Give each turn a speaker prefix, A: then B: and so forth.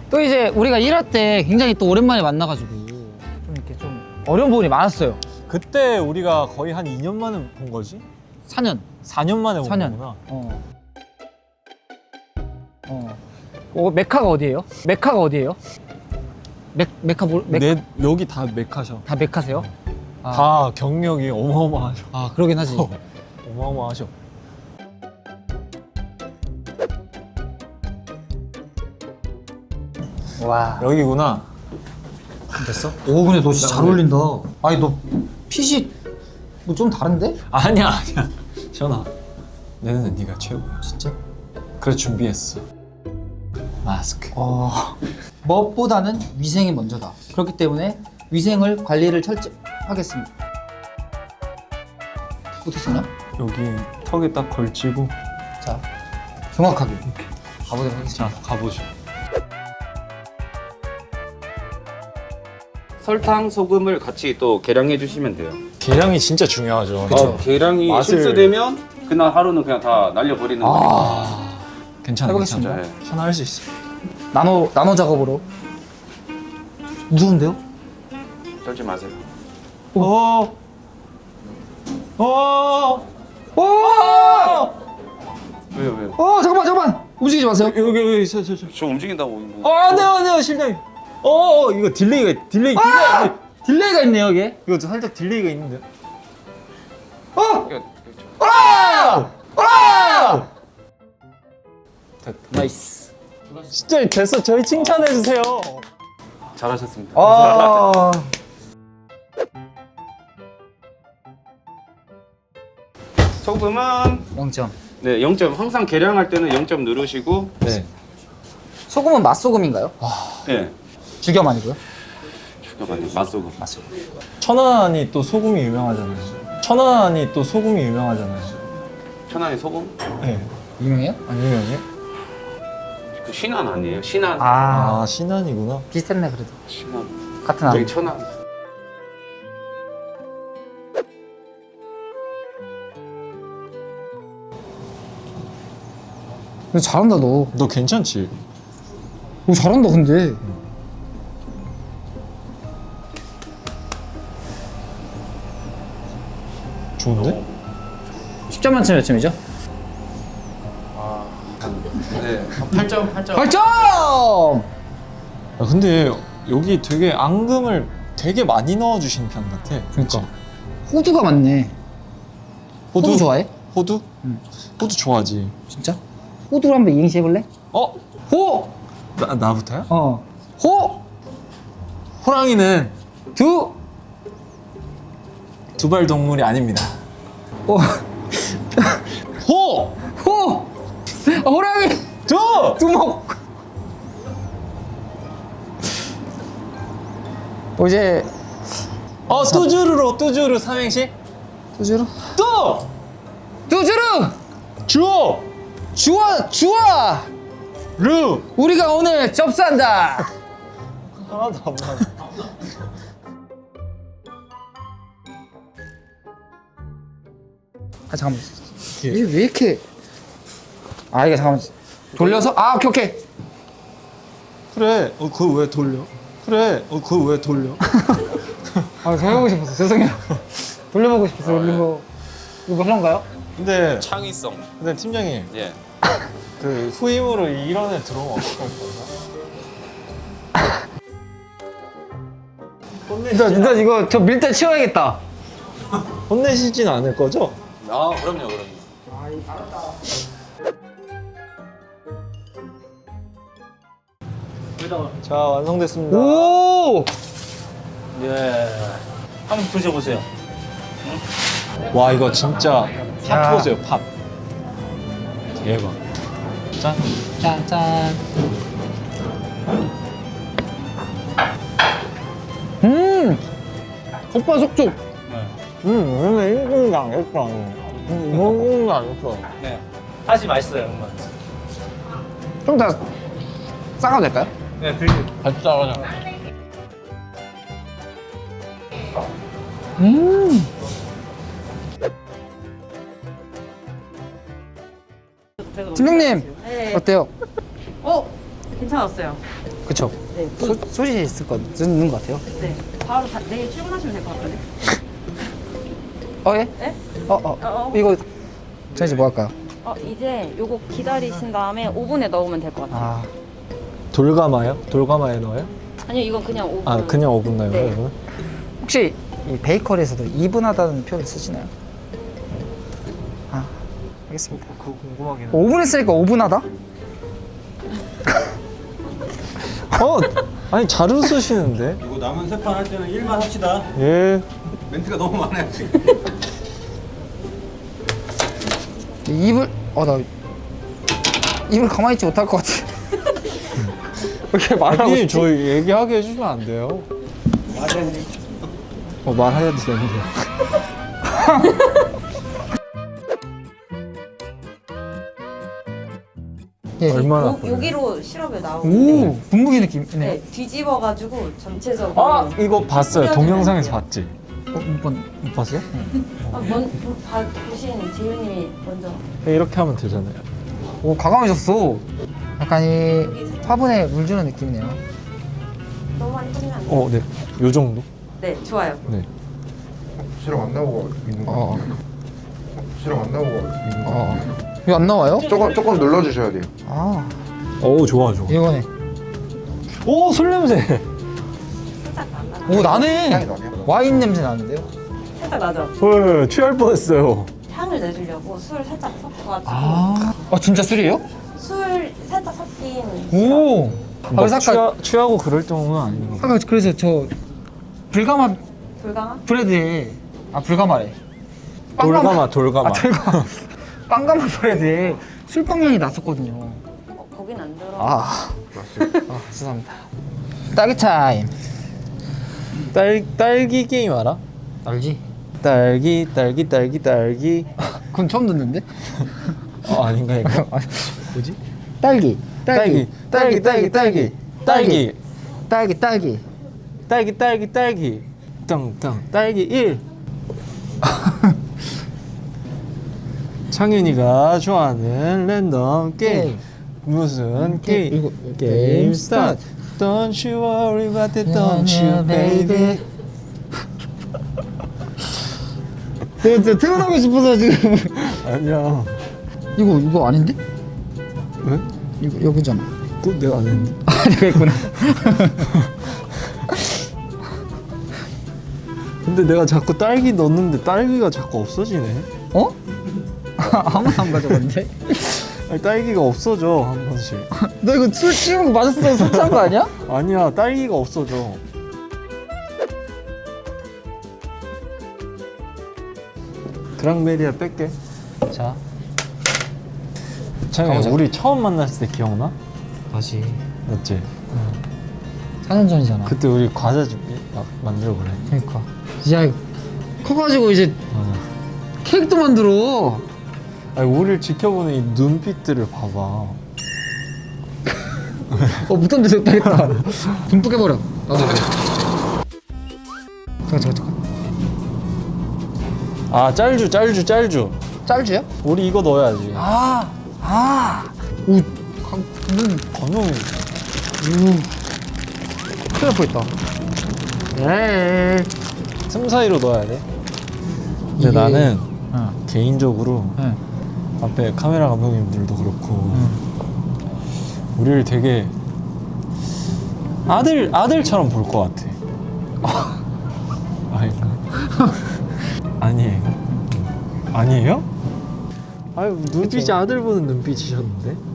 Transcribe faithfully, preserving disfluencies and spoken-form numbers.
A: 또 이제 우리가 일할 때 굉장히 또 오랜만에 만나가지고 좀 이렇게 좀 어려운 부분이 많았어요.
B: 그때 우리가 거의 한 이 년 만에 본 거지?
A: 사 년.
B: 사 년 만에 본
A: 사 년.
B: 거구나.
A: 어. 어. 어, 메카가 어디예요? 메카가 어디예요? 메, 메카 뭘? 메...
B: 내, 여기 다 메카셔.
A: 다 메카세요? 아.
B: 다 경력이 어마어마하셔.
A: 아, 그러긴 하지.
B: 어마어마하셔.
A: 와.
B: 여기구나.
A: 됐어? 오, 근데 너 진짜 잘 어울린다. 아니, 너 핏이 뭐 좀 다른데?
B: 아니야 아니야. 시원아. 내 눈에 네가 최고야.
A: 진짜?
B: 그래 준비했어. 마스크.
A: 어, 무엇보다는 위생이 먼저다. 그렇기 때문에 위생을 관리를 철저하겠습니다. 어떻게 쓰냐?
B: 여기 턱에 딱 걸치고.
A: 자, 정확하게 이렇게 가보도록 하겠습니다.
B: 자 가보죠.
C: 설탕, 소금을 같이 또 계량해 주시면 돼요.
B: 계량이 진짜 중요하죠.
C: 어, 계량이
B: 맛을-
C: 실수되면 그날 하루는 그냥 다 날려버리는 거니까.
B: 아 괜찮아
A: 해보겠습니다.
B: 괜찮아.
C: 네.
B: 시원아 할 수 있어.
A: 나노 나노 작업으로. 무서운데요?
C: 떨지 마세요.
B: 어. 어.
A: 오!
C: 왜요, 왜요?
A: 어, 잠깐만, 잠깐만. 움직이지 마세요.
B: 여기 여기 저 저 저.
C: 저 움직인다고. 뭐.
B: 어 안돼요 안돼요 실장님. 어, 어 이거 딜레이가 딜레이 딜레이.
A: 딜레이가 있네요, 여기.
B: 이거 살짝 딜레이가 있는데.
A: 어!
C: 이거-
A: 아! 아!
B: 됐다.
A: 나이스.
B: 진짜 됐어. 저희 칭찬해 주세요.
C: 잘하셨습니다.
A: 아.
C: 소금은
A: 영 점.
C: 네, 영 점. 항상 계량할 때는 영 점 누르시고
B: 네.
A: 소금은 맛소금인가요?
C: 네.
A: 죽염 아니고요?
C: 죽여봤네. 맛소금.
A: 맛소금.
B: 천안이 또 소금이 유명하잖아요. 천안이 또 소금이 유명하잖아요.
C: 천안의 소금?
B: 네.
A: 유명해요?
B: 안 유명해?
C: 그 신안 아니에요? 신안.
A: 아,
B: 아 신안이구나.
A: 비슷했네 그래도.
C: 신안.
A: 같은 안.
C: 여기 천안.
A: 근데 잘한다 너.
B: 너 괜찮지?
A: 오, 잘한다 근데.
B: 좋은데?
A: 십 점 만점 몇 점이죠?
C: 네. 팔 점, 팔 점.
A: 팔 점!
B: 아, 근데 여기 되게 앙금을 되게 많이 넣어주시는 편 같아.
A: 그러니까. 호두가 많네. 호두, 좋아해?
B: 호두?
A: 응.
B: 호두 좋아하지.
A: 진짜? 호두를 한번 이행시 해볼래?
B: 어?
A: 호!
B: 나, 나부터야?
A: 어. 호!
B: 호랑이는
A: 두!
B: 두발 동물이 아닙니다.
A: 어.
B: 호!
A: 호! 아, 호랑이!
B: 두!
A: 두목! 뭐 이제
B: 어, 뚜주루로 뚜주루 삼행시?
A: 두주루?
B: 뚜!
A: 두주루!
B: 주!
A: 주아! 주아!
B: 루!
A: 우리가 오늘 접수한다!
B: 하나도 안 맞아.
A: 아 잠깐만 이게 왜 이렇게 아 이게 잠깐만 돌려서? 아 오케이 오케이
B: 그래, 어, 그걸 왜 돌려? 그래, 어, 그걸 왜 돌려?
A: 아 저 해보고 싶었어 죄송해요 돌려보고 싶었어 이거 이거 그런가요?
B: 근데,
C: 창의성.
B: 근데 팀장님,
C: 예.
B: 그 후임으로 이런 애 들어오면 어떡할 거야?
A: 일단 일단 이거 저 밀대 치워야겠다
B: 혼내시진 않을 거죠?
C: 아, 그럼요, 그럼요.
B: 자, 완성됐습니다.
A: 오!
C: 예. 한번 드셔보세요.
B: 와, 이거 진짜
A: 야.
B: 팝 보세요, 팝. 대박. 짠.
A: 짠짠 음! 겉바속촉
B: 음, 근데 일분도 안 했어. 음, 일분도 안 했어.
C: 네. 다시 맛있어요, 정말.
A: 좀 더 싸가도 될까요?
C: 네, 드세요.
B: 같이 싸가자.
A: 음! 팀장님
D: 네.
A: 어때요?
D: 어, 괜찮았어요.
A: 그쵸?
D: 네.
A: 소, 소시 있을 거 있는 것 같아요.
D: 네. 바로 다, 내일 출근하시면 될 것 같거든요.
A: 어 예?
D: 네?
A: 어 어.
D: 어, 어.
A: 이거 저 이제 뭐 할까요?
D: 어, 이제 요거 기다리신 다음에 오븐에 넣으면 될 것 같아요.
A: 아
B: 돌가마요? 돌가마에 넣어요?
D: 아니요, 이건 그냥 오븐.
B: 아 그냥 오븐 넣어요?
D: 네.
B: 이거는?
A: 혹시 이 베이커리에서도 이분하다는 표현을 쓰시나요? 아 알겠습니다.
B: 그거 궁금하긴 해.
A: 오븐에 쓰니까 오분하다?
B: 어? 아니 잘 웃으시는데?
E: 이거 남은 세 판 할 때는 일만 합시다.
B: 예.
E: 멘트가 너무 많아요 지금.
A: 입을 어나 입을 가만히 있지 못할 것 같아. 왜 이렇게 말하고
B: 아니
A: 싶지?
B: 저희 얘기하게 해주면 안 돼요? 어 말해야 되는데.
A: 예.
B: 얼마나
D: 요,
B: 걸려요?
D: 여기로 시럽이 나오는데
A: 오 분무기 느낌이네.
D: 네, 뒤집어가지고 전체적으로
B: 아 이거 봤어요.
D: 뿌려주면
B: 동영상에서
D: 돼요.
B: 봤지?
A: 어, 한번
B: 못 봤어요?
D: 아, 먼, 봐, 보신 재윤님이 먼저.
B: 이렇게 하면 되잖아요.
A: 오 과감해졌어. 약간 이 화분에 물 주는 느낌이네요.
D: 너무 많이 뿌리면 안 돼요.
B: 어, 네. 요 정도?
D: 네, 좋아요.
B: 네.
F: 실험 안 나오고 있는 거
A: 어.
F: 같아요. 실험 안 나오고 있는 거
A: 어.
F: 같아요.
A: 이거 안 나와요?
F: 조금 조금 눌러주셔야 돼요.
A: 아
B: 오, 좋아, 좋아.
A: 이거네.
B: 오, 술 냄새.
D: 살짝 나,
A: 오 나네.
F: 향이 나네요.
A: 와인 냄새 나는데요?
D: 살짝 나죠?
B: 헐, 취할 뻔했어요.
D: 향을 내주려고 술 살짝 섞어가지고
A: 아, 아 진짜 술이에요?
D: 술 살짝 섞인
A: 오. 아,
B: 막
A: 그래서 아까
B: 취하, 취하고 그럴 정도는 아닌 것 같아요.
A: 아까 그래서 저 불가마
D: 불강화?
A: 브레드에 아 불가마래.
B: 돌가마, 돌가마.
A: 아 돌가마. 빵가마 브레드에 술빵 향이 났었거든요.
D: 어, 거긴 안 들어.
A: 아, 아 죄송합니다. 딸기 타임.
B: 딸, 딸기 게임 알아?
A: 알지?
B: 딸기, 딸기, 딸기, 딸기.
A: 그건 처음 듣는데?
B: 어, 아닌가, 이거?
A: 뭐지? 딸기.
B: 딸기, 딸기, 딸기, 딸기. 딸기,
A: 딸기 딸기.
B: 딸기, 딸기, 딸기. 땅땅, 딸기 일. 창윤이가 좋아하는 랜덤 게임.
A: 게임.
B: 무슨 게임?
A: 이거,
B: 게임 스타트. Don't you worry about it, don't you, baby.
A: 내가 진짜 태어나고 싶어서 지금.
B: 아니야.
A: 이거 이거 아닌데?
B: 왜?
A: 이거 여기잖아.
B: 또 내가 안 했는데.
A: 아 내가 있구나.
B: 근데 내가 자꾸 딸기 넣는데 딸기가 자꾸 없어지네.
A: 어? 아무도 안 가져갔는데?
B: 아니, 딸기가 없어져 한 번씩.
A: 너 이거 술 취한 거 맞았어? 술 취한 거 아니야?
B: 아니야, 딸기가 없어져. 그랑베리아 뺄게.
A: 자
B: 창현,
A: 가보자.
B: 우리 처음 만났을 때 기억나?
A: 다시
B: 맞지?
A: 사 년 전이잖아.
B: 그때 우리 과자 좀 막 만들어 그래.
A: 그러니까 진짜 커가지고 이제
B: 맞아.
A: 케이크도 만들어.
B: 아니, 우리를 지켜보는 이 눈빛들을 봐봐.
A: 어 묻던 데서 따겠다. 듬뿍 해버려. 나도. 잠깐 잠깐 잠깐.
B: 아, 짤주, 짤주, 짤주.
A: 짤주야?
B: 우리 이거 넣어야지.
A: 아, 아. 오, 강, 눈,
B: 건영이.
A: 우. 큰일 날 뻔했다. 에이.
B: 틈 사이로 넣어야 돼. 근데
A: 이게-
B: 나는
A: 어,
B: 개인적으로
A: 네.
B: 앞에 카메라 감독님들도 그렇고 우리를 되게 아들 아들처럼 볼 것 같아. 아닌가? 아니에요? 아니에요? 아유, 눈빛이 아들 보는 눈빛이셨는데?